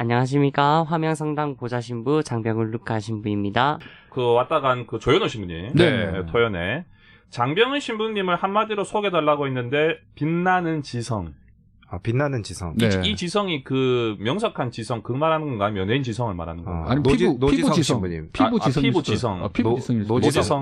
안녕하십니까. 화명성당 보좌신부 장병훈 루카 신부입니다. 왔다 간 조현우 신부님. 네. 토연에. 장병훈 신부님을 한마디로 소개해달라고 했는데, 빛나는 지성. 빛나는 지성. 네. 이 지성이 명석한 지성, 말하는 건가요? 연예인 지성을 말하는 건가요? 아니, 노지성 피부 지성. 신부님. 피부 지성. 피부 지성. 피부 지성이 노지성.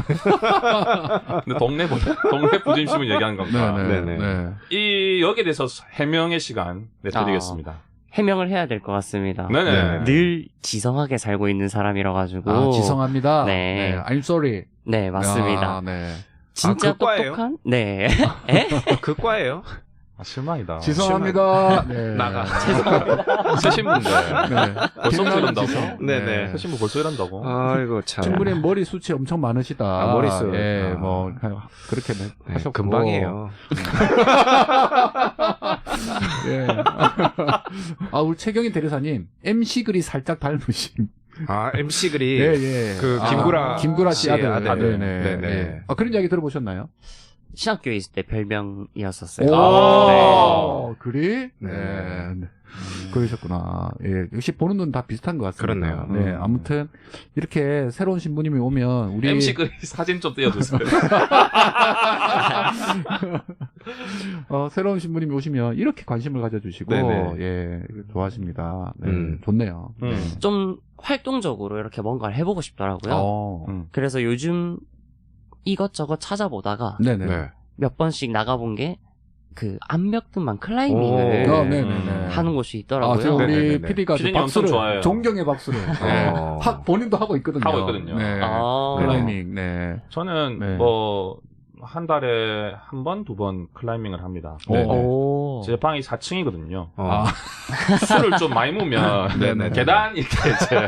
근데 동네 부짐 신부 얘기하는 겁니다. 네네. 여기에 대해서 해명의 시간 드리겠습니다. 해명을 해야 될 것 같습니다. 네네. 늘 지성하게 살고 있는 사람이라 가지고. 지성합니다. 네. I'm sorry. 네, 맞습니다. 네. 진짜 그 과예요? 똑똑한? 네. 그 과예요? 실망이다. 지성합니다. 네. 나가. 새 신부인데. 네. 벌써부터 이런다고? 네네. 새 신부 벌써 이런다고? 아이고, 참. 신부님 머리 숱이 엄청 많으시다. 머리숱. 예, 뭐, 그렇게 하셨고. 금방이에요. 예. 우리 최경인 대리사님, MC 글이 살짝 닮으신. MC 글이. 예, 예. 김구라 씨 아들. 네네. 예. 그런 이야기 들어보셨나요? 신학교에 있을 때 별명이었었어요. 오, 그래? 네. 그러셨구나. 예. 역시 보는 눈 다 비슷한 것 같습니다. 그렇네요. 네. 아무튼, 이렇게 새로운 신부님이 오면, 우리. MC 그 사진 좀 띄워주세요. 새로운 신부님이 오시면 이렇게 관심을 가져주시고, 네네. 예, 좋아하십니다. 네. 좋네요. 좀 활동적으로 이렇게 뭔가를 해보고 싶더라고요. 그래서 요즘 이것저것 찾아보다가 네네. 몇 번씩 나가본 게 암벽등반 클라이밍을 하는 곳이 있더라고요. 지금 우리 네네네. PD가 PD님 엄청 좋아해요. 존경의 박수를. 네. 본인도 하고 있거든요. 네. 클라이밍, 네. 저는 한 달에 한 번, 두 번 클라이밍을 합니다. 제 방이 4층이거든요. 술을 좀 많이 먹으면 네네. 계단 이렇게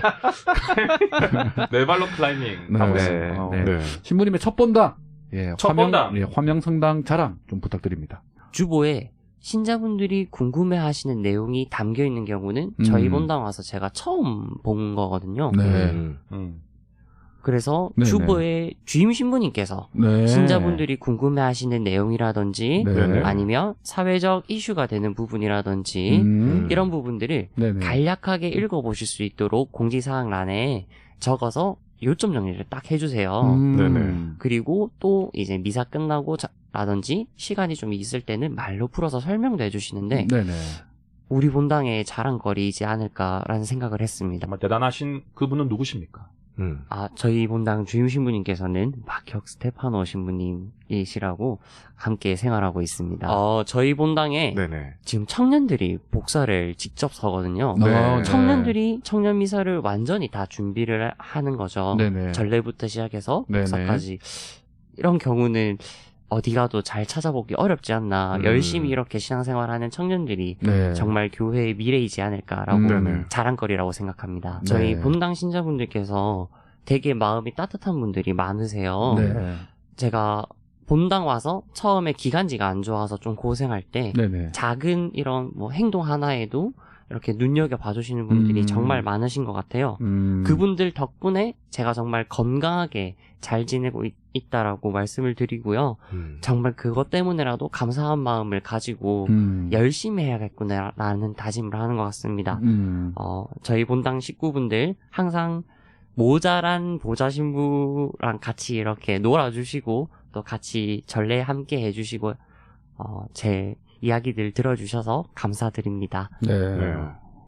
네 발로 클라이밍 하고 있습니다. 네. 신부님의 첫 본당. 예, 첫 본당. 예, 화명성당 자랑 좀 부탁드립니다. 주보에 신자분들이 궁금해하시는 내용이 담겨 있는 경우는 저희 본당 와서 제가 처음 본 거거든요. 네. 그래서 네네. 주보에 주임 신부님께서 신자분들이 궁금해하시는 내용이라든지 아니면 사회적 이슈가 되는 부분이라든지 이런 부분들을 간략하게 읽어보실 수 있도록 공지사항란에 적어서 요점 정리를 딱 해주세요. 그리고 또 이제 미사 끝나고 라든지 시간이 좀 있을 때는 말로 풀어서 설명도 해주시는데 우리 본당의 자랑거리이지 않을까라는 생각을 했습니다. 정말 대단하신 그분은 누구십니까? 저희 본당 주임 신부님께서는 박혁 스테파노 신부님이시라고 함께 생활하고 있습니다. 저희 본당에 지금 청년들이 복사를 직접 서거든요. 청년들이 청년 미사를 완전히 다 준비를 하는 거죠. 전례부터 시작해서 복사까지. 이런 경우는 어디 가도 잘 찾아보기 어렵지 않나. 열심히 이렇게 신앙생활하는 청년들이 정말 교회의 미래이지 않을까라고 자랑거리라고 생각합니다. 저희 본당 신자분들께서 되게 마음이 따뜻한 분들이 많으세요. 제가 본당 와서 처음에 기관지가 안 좋아서 좀 고생할 때 작은 이런 행동 하나에도 이렇게 눈여겨 봐주시는 분들이 정말 많으신 것 같아요. 그분들 덕분에 제가 정말 건강하게 잘 지내고 있다라고 말씀을 드리고요. 정말 그것 때문에라도 감사한 마음을 가지고 열심히 해야겠구나라는 다짐을 하는 것 같습니다. 저희 본당 식구분들 항상 모자란 보좌신부랑 같이 이렇게 놀아주시고 또 같이 전례 함께 해주시고 제 이야기들 들어주셔서 감사드립니다. 네.